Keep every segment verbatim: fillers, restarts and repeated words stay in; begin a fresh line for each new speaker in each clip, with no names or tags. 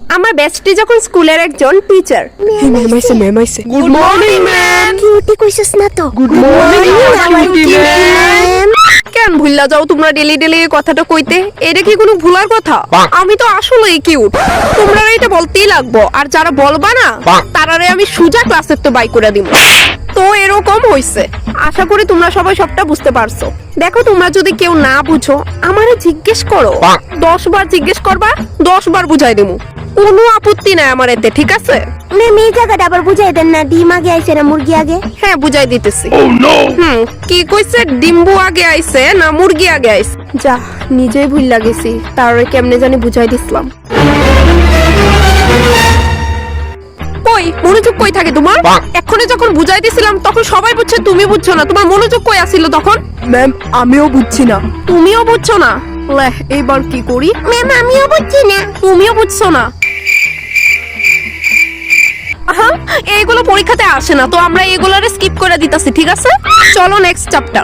আমার বেস্টি যখন স্কুলের একজন টিচার।
ম্যাম আইছে ম্যাম আইছে।
Good morning ma'am.
কিউটি কইছস না তো?
Good morning
ma'am.
কেন ভুললা যাও তোমরা ডেলি ডেলি এই কথাটা কইতে? এটা কি কোনো ভুলার কথা? আমি তো আসলেই কিউট, তোমরা এটা বলতেই লাগবো। আর যারা বলবা না তারারে আমি সুজা ক্লাসের তো বাই করে দিব। তো এরকম হইছে, আশা করি তোমরা সবাই সবটা বুঝতে পারছো। দেখো তোমরা যদি কেউ না বুঝো আমারে জিজ্ঞেস করো, দশ বার জিজ্ঞেস করবা, দশ বার বুঝাই দেবো, কোনো আপত্তি নাই আমার এতে, ঠিক আছে?
ম্যাম এই জায়গাটা আবার বুঝাই দেন না, ডিম আগে আইছে না মুরগি আগে?
হ্যাঁ বুঝাই দিতেছি। হুম কি কইছে, ডিম্বু আগে আইছে না মুরগি আগে আইছে? যা নিজেই ভুল লাগেছি, তার কেমনে জানি বুঝাই দিছিলাম। কই মনোযোগ কই থাকে তোমার? এক্ষুনি যখন বুঝাই দিছিলাম তখন সবাই বুঝছে, তুমি বুঝছো না। তোমার মনোযোগ কই আছিল তখন?
ম্যাম আমিও বুঝছি না।
তুমিও বুঝছো না? লে এইবার কি করি?
ম্যাম আমিও বুঝছি না।
তুমিও বুঝছো না? আহা, এইগুলো পরীক্ষাতে আসে না, তো আমরা এগুলোরে স্কিপ করে দিতেছি, ঠিক আছে? চলো নেক্সট চ্যাপ্টার।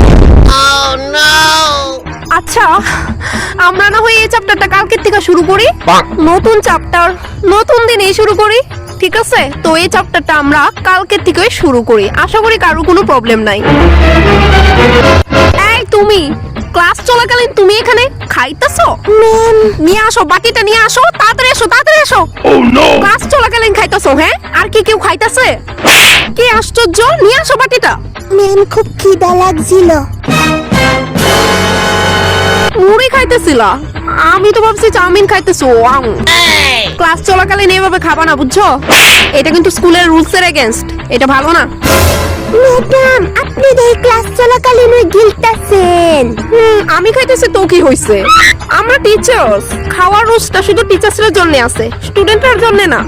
আচ্ছা আমরা না হয় এই চ্যাপ্টারটা কালকের থেকে শুরু করি, নতুন চ্যাপ্টার নতুন দিনেই শুরু করি, ঠিক আছে? তো এই চ্যাপ্টারটা আমরা কালকের থেকে শুরু করি, আশা করি কারো কোনো প্রবলেম নাই। এই তুমি ক্লাস চলাকালীন তুমি এখানে খাইতেছো?
ম্যাম
নিয়ে আসো বাটিটা, নিয়ে আসো, তাড়াতাড়ি এসো, তাড়াতাড়ি এসো। ক্লাস চলাকালীন খাইতেছো? হ্যাঁ, আর কি কেউ খাইতেছে? কি আশ্চর্য, নিয়ে আসো বাটিটা।
ম্যাম খুব খিদা লাগছিল।
মুড়ি খাইতেছিলা? আমি তো ভাবছি চাউমিন খাইতেছো। আউ। ক্লাস চলাকালীন এভাবে খাবা না, বুঝছো? এটা কিন্তু স্কুলের রুলস এর এগেইনস্ট, এটা ভালো না।
ম্যাডাম আপনি এই ক্লাস চলাকালীন ওই গিলতাছেন।
হুম, আমি খাইতেছি তো কি হইছে? আমরা টিচার্স, খাওয়ার রুলসটা শুধু টিচার্সদের জন্য আছে, স্টুডেন্টদের জন্য না।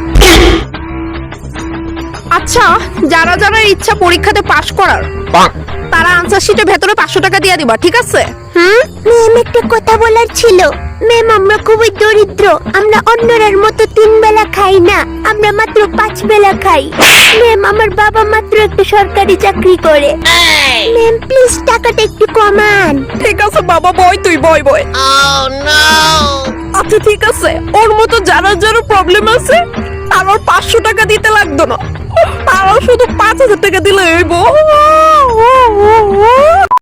আচ্ছা যারা যারা ইচ্ছা পরীক্ষাতে পাশ করার, তারা আনসার শিটের ভেতরে পাঁচশো টাকা দিয়ে দিবা, ঠিক আছে? হুম
ম্যাম একটা কথা বলার ছিল। ম্যাম আমরা খুবই দরিদ্র, আমরা অন্যরার মতো তিন বেলা খাই না, আমরা মাত্র পাঁচ বেলা খাই। ম্যাম আমার বাবা মাত্র একটা সরকারি চাকরি করে। ম্যাম প্লিজ টাকাটা একটু কমান।
ঠিক আছে বাবা, বয় তুই বয় বয়। আচ্ছা ঠিক আছে, ওর মতো যারা যারা প্রবলেম আছে আর ওর পাঁচশো টাকা দিতে লাগতো না, তারাও শুধু পাঁচ হাজার টাকা দিলে হইব।